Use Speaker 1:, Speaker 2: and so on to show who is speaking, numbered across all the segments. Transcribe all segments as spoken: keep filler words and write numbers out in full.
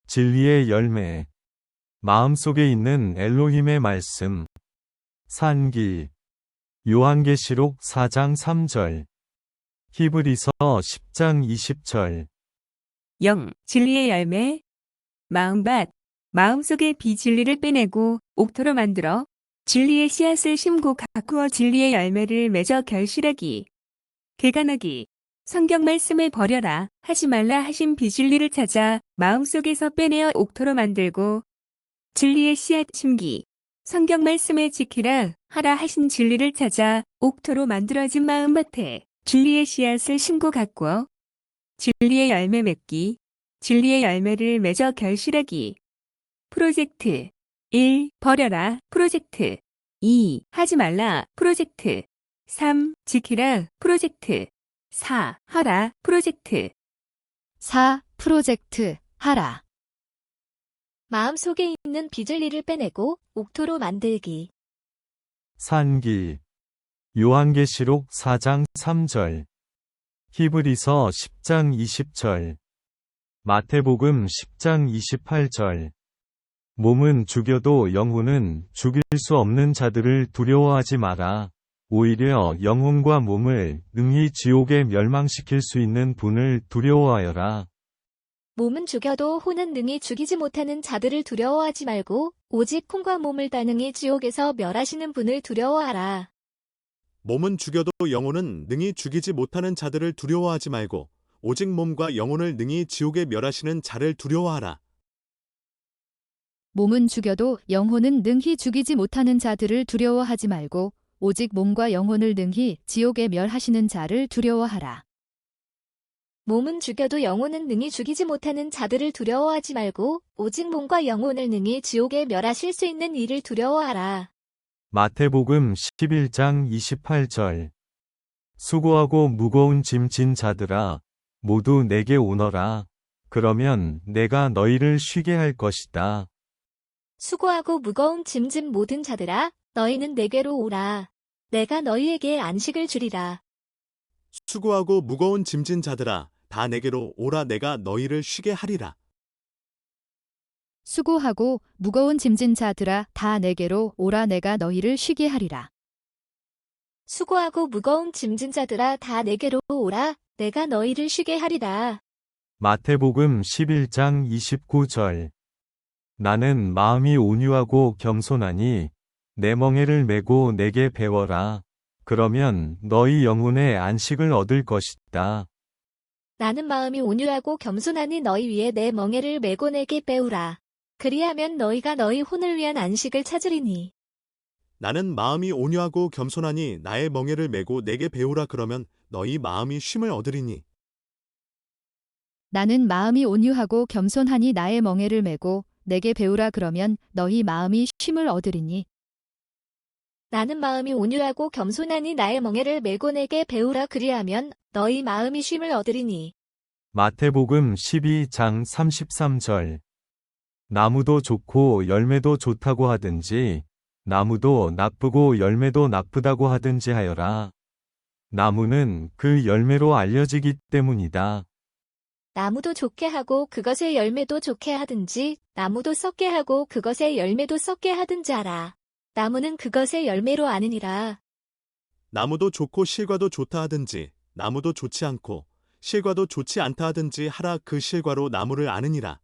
Speaker 1: 진리의 열매. 마음속에 있는 엘로힘의 말씀. 산기. 요한계시록 사 장 삼 절. 히브리서 십 장 이십 절.
Speaker 2: 영. 진리의 열매. 마음밭. 마음속의 비진리를 빼내고 옥토로 만들어 진리의 씨앗을 심고 가꾸어 진리의 열매를 맺어 결실하기. 개간하기. 성경 말씀을 버려라 하지 말라 하신 비진리를 찾아 마음속에서 빼내어 옥토로 만들고 진리의 씨앗 심기. 성경 말씀을 지키라 하라 하신 진리를 찾아 옥토로 만들어진 마음밭에 진리의 씨앗을 심고 가꾸어 진리의 열매 맺기. 진리의 열매를 맺어 결실하기. 프로젝트. 일. 버려라 프로젝트. 이. 하지 말라 프로젝트. 삼. 지키라 프로젝트. 사. 하라 프로젝트.
Speaker 3: 사. 프로젝트 하라.
Speaker 4: 마음속에 있는 비진리를 빼내고 옥토로 만들기.
Speaker 1: 산기. 요한계시록 사 장 삼 절. 히브리서 십 장 이십 절. 마태복음 십 장 이십팔 절. 몸은 죽여도 영혼은 죽일 수 없는 자들을 두려워하지 마라. 오히려 영혼과 몸을 능히 지옥에 멸망시킬 수 있는 분을 두려워하여라.
Speaker 4: 몸은 죽여도 혼은 능히 죽이지 못하는 자들을 두려워하지 말고 오직 혼과 몸을 다 능히 지옥에서 멸하시는 분을 두려워하라.
Speaker 5: 몸은 죽여도 영혼은 능히 죽이지 못하는 자들을 두려워하지 말고 오직 몸과 영혼을 능히 지옥에 멸하시는 자를 두려워하라.
Speaker 3: 몸은 죽여도 영혼은 능히 죽이지 못하는 자들을 두려워하지 말고 오직 몸과 영혼을 능히 지옥에 멸하시는 자를 두려워하라.
Speaker 4: 몸은 죽여도 영혼은 능히 죽이지 못하는 자들을 두려워하지 말고 오직 몸과 영혼을 능히 지옥에 멸하실 수 있는 이를 두려워하라.
Speaker 1: 마태복음 십일 장 이십팔 절. 수고하고 무거운 짐 진 자들아, 모두 내게 오너라. 그러면 내가 너희를 쉬게 할 것이다.
Speaker 4: 수고하고 무거운 짐진 모든 자들아, 너희는 내게로 오라. 내가 너희에게 안식을 주리라.
Speaker 5: 수고하고 무거운 짐진 자들아, 다 내게로 오라. 내가 너희를 쉬게 하리라.
Speaker 3: 수고하고 무거운 짐진 자들아 다 내게로 오라. 내가 너희를 쉬게 하리라.
Speaker 4: 수고하고 무거운 짐진 자들아 다 내게로 오라. 내가 너희를 쉬게 하리라.
Speaker 1: 마태복음 십일 장 이십구 절. 나는 마음이 온유하고 겸손하니 내 멍에를 메고 내게 배워라. 그러면 너희 영혼의 안식을 얻을 것이다.
Speaker 4: 나는 마음이 온유하고 겸손하니 너희 위에 내 멍에를 메고 내게 배우라. 그리하면 너희가 너희 혼을 위한 안식을 찾으리니.
Speaker 5: 나는 마음이 온유하고 겸손하니 나의 멍에를 메고 내게 배우라. 그러면 너희 마음이 쉼을 얻으리니.
Speaker 3: 나는 마음이 온유하고 겸손하니 나의 멍에를 메고 내게 배우라. 그러면 너희 마음이 쉼을 얻으리니.
Speaker 4: 나는 마음이 온유하고 겸손하니 나의 멍에를 메고 내게 배우라. 그리하면 너희 마음이 쉼을 얻으리니.
Speaker 1: 마태복음 십이 장 삼십삼 절. 나무도 좋고 열매도 좋다고 하든지 나무도 나쁘고 열매도 나쁘다고 하든지 하여라. 나무는 그 열매로 알려지기 때문이다.
Speaker 4: 나무도 좋게 하고 그것의 열매도 좋게 하든지 나무도 썩게 하고 그것의 열매도 썩게 하든지 하라. 나무는 그것의 열매로 아느니라.
Speaker 5: 나무도 좋고 실과도 좋다 하든지 나무도 좋지 않고 실과도 좋지 않다 하든지 하라. 그 실과로 나무를 아느니라.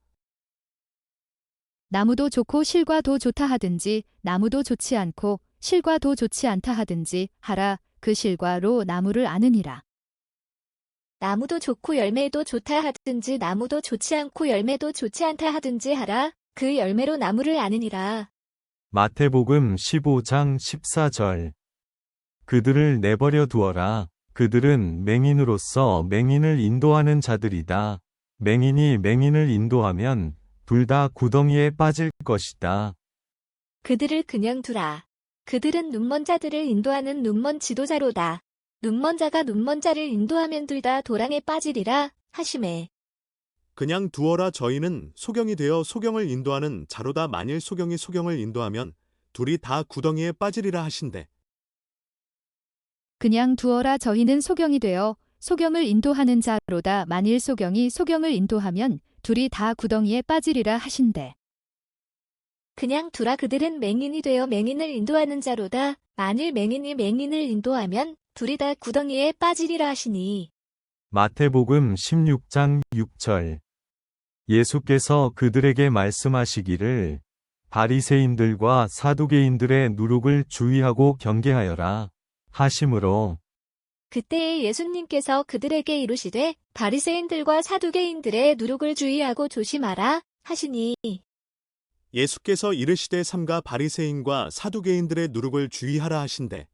Speaker 3: 나무도 좋고 실과도 좋다 하든지 나무도 좋지 않고 실과도 좋지 않다 하든지 하라. 그 실과로 나무를 아느니라.
Speaker 4: 나무도 좋고 열매도 좋다 하든지 나무도 좋지 않고 열매도 좋지 않다 하든지 하라. 그 열매로 나무를 아느니라.
Speaker 1: 마태복음 십오 장 십사 절. 그들을 내버려 두어라. 그들은 맹인으로서 맹인을 인도하는 자들이다. 맹인이 맹인을 인도하면 둘 다 구덩이에 빠질 것이다.
Speaker 4: 그들을 그냥 두라. 그들은 눈먼 자들을 인도하는 눈먼 지도자로다. 눈먼 자가 눈먼 자를 인도하면 둘 다 도랑에 빠지리라 하시매.
Speaker 5: 그냥 두어라. 저희는 소경이 되어 소경을 인도하는 자로다. 만일 소경이 소경을 인도하면 둘이 다 구덩이에 빠지리라 하신대.
Speaker 3: 그냥 두어라. 저희는 소경이 되어 소경을 인도하는 자로다. 만일 소경이 소경을 인도하면 둘이 다 구덩이에 빠지리라 하신대.
Speaker 4: 그냥 두라. 그들은 맹인이 되어 맹인을 인도하는 자로다. 만일 맹인이 맹인을 인도하면 둘이 다 구덩이에 빠지리라 하시니.
Speaker 1: 마태복음 십육 장 육 절. 예수께서 그들에게 말씀하시기를 바리새인들과 사두개인들의 누룩을 주의하고 경계하여라 하심으로
Speaker 4: 그때에 예수님께서 그들에게 이르시되 바리새인들과 사두개인들의 누룩을 주의하고 조심하라 하시니.
Speaker 5: 예수께서 이르시되 삼가 바리새인과 사두개인들의 누룩을 주의하라 하신대.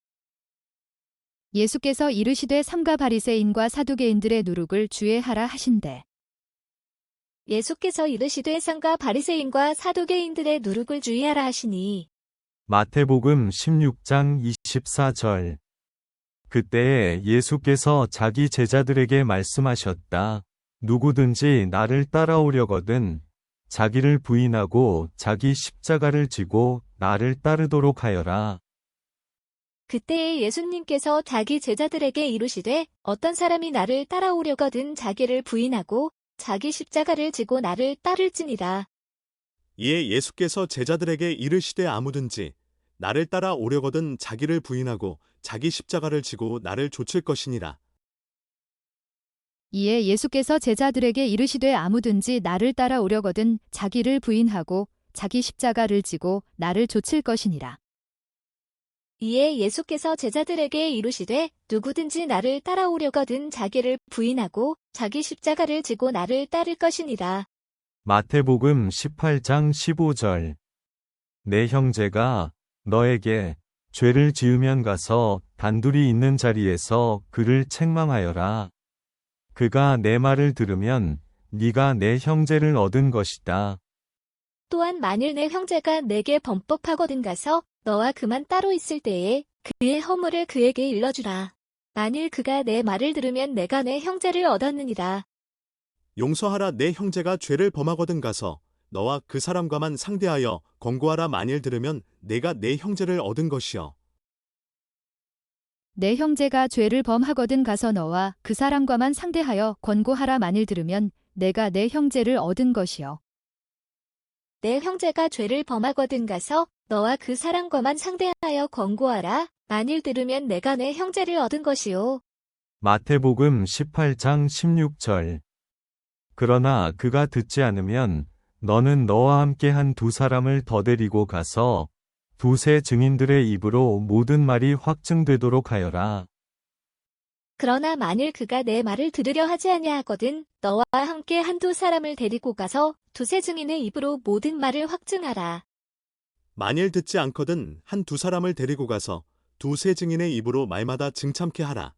Speaker 3: 예수께서 이르시되 삼가 바리새인과 사두개인들의 누룩을 주의하라 하신대.
Speaker 4: 예수께서 이르시되 삼가 바리새인과 사두개인들의 누룩을 주의하라 하시니.
Speaker 1: 마태복음 십육 장 이십사 절. 그때에 예수께서 자기 제자들에게 말씀하셨다. 누구든지 나를 따라오려거든 자기를 부인하고 자기 십자가를 지고 나를 따르도록 하여라.
Speaker 4: 그때에 예수님께서 자기 제자들에게 이르시되 어떤 사람이 나를 따라오려거든 자기를 부인하고 자기 십자가를 지고 나를 따를지니라.
Speaker 5: 이에 예수께서 제자들에게 이르시되 아무든지 나를 따라 오려거든 자기를 부인하고 자기 십자가를 지고 나를 좇을 것이니라.
Speaker 3: 이에 예수께서 제자들에게 이르시되 아무든지 나를 따라오려거든 자기를 부인하고 자기 십자가를 지고 나를 좇을 것이니라.
Speaker 4: 이에 예수께서 제자들에게 이르시되 누구든지 나를 따라오려거든 자기를 부인하고 자기 십자가를 지고 나를 따를 것이니라.
Speaker 1: 마태복음 십팔 장 십오 절. 내 형제가 너에게 죄를 지으면 가서 단둘이 있는 자리에서 그를 책망하여라. 그가 내 말을 들으면 네가 내 형제를 얻은 것이다.
Speaker 4: 또한 만일 내 형제가 내게 범법하거든 가서 너와 그만 따로 있을 때에 그의 허물을 그에게 일러주라. 만일 그가 내 말을 들으면 내가 내 형제를 얻었느니라.
Speaker 5: 용서하라. 내 형제가 죄를 범하거든 가서 너와 그 사람과만 상대하여 권고하라. 만일 들으면 내가 내 형제를 얻은 것이여.
Speaker 3: 내 형제가 죄를 범하거든 가서 너와 그 사람과만 상대하여 권고하라. 만일 들으면 내가 내 형제를 얻은 것이요.
Speaker 4: 내 형제가 죄를 범하거든 가서 너와 그 사람과만 상대하여 권고하라. 만일 들으면 내가 내 형제를 얻은 것이요.
Speaker 1: 마태복음 십팔 장 십육 절. 그러나 그가 듣지 않으면 너는 너와 함께 한 두 사람을 더 데리고 가서 두세 증인들의 입으로 모든 말이 확증되도록 하여라.
Speaker 4: 그러나 만일 그가 내 말을 들으려 하지 아니하거든 너와 함께 한두 사람을 데리고 가서 두세 증인의 입으로 모든 말을 확증하라.
Speaker 5: 만일 듣지 않거든 한 두 사람을 데리고 가서 두세 증인의 입으로 말마다 증참케 하라.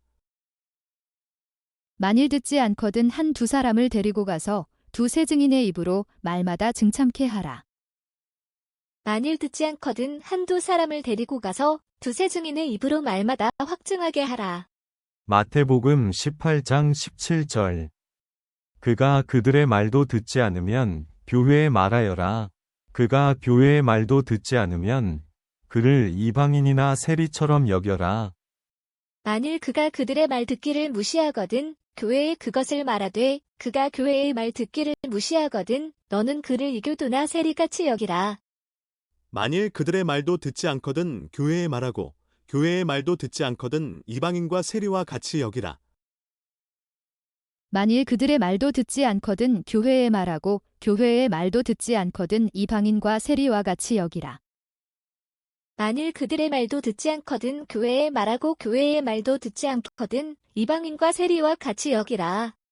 Speaker 3: 만일 듣지 않거든 한 두 사람을 데리고 가서 두세 증인의 입으로 말마다 증참케 하라.
Speaker 4: 만일 듣지 않거든 한두 사람을 데리고 가서 두세 증인의 입으로 말마다 확증하게 하라.
Speaker 1: 마태복음 십팔 장 십칠 절. 그가 그들의 말도 듣지 않으면 교회에 말하여라. 그가 교회의 말도 듣지 않으면 그를 이방인이나 세리처럼 여겨라.
Speaker 4: 만일 그가 그들의 말 듣기를 무시하거든 교회에 그것을 말하되 그가 교회의 말 듣기를 무시하거든 너는 그를 이교도나 세리같이 여기라.
Speaker 5: 만일 그들의 말도 듣지 않거든 교회에 말하고 교회의 말도 듣지 않거든 이방인과 세리와 같이 여기라.
Speaker 3: 만일 그들의 말도 듣지 않거든 교회에 말하고 교회의 말도 듣지 않거든 이방인과 세리와 같이 여기라.
Speaker 4: 만일 그들의 말도 듣지 않거든 교회에 말하고 교회의 말도 듣지 않거든 이방인과 세리와 같이 여기라.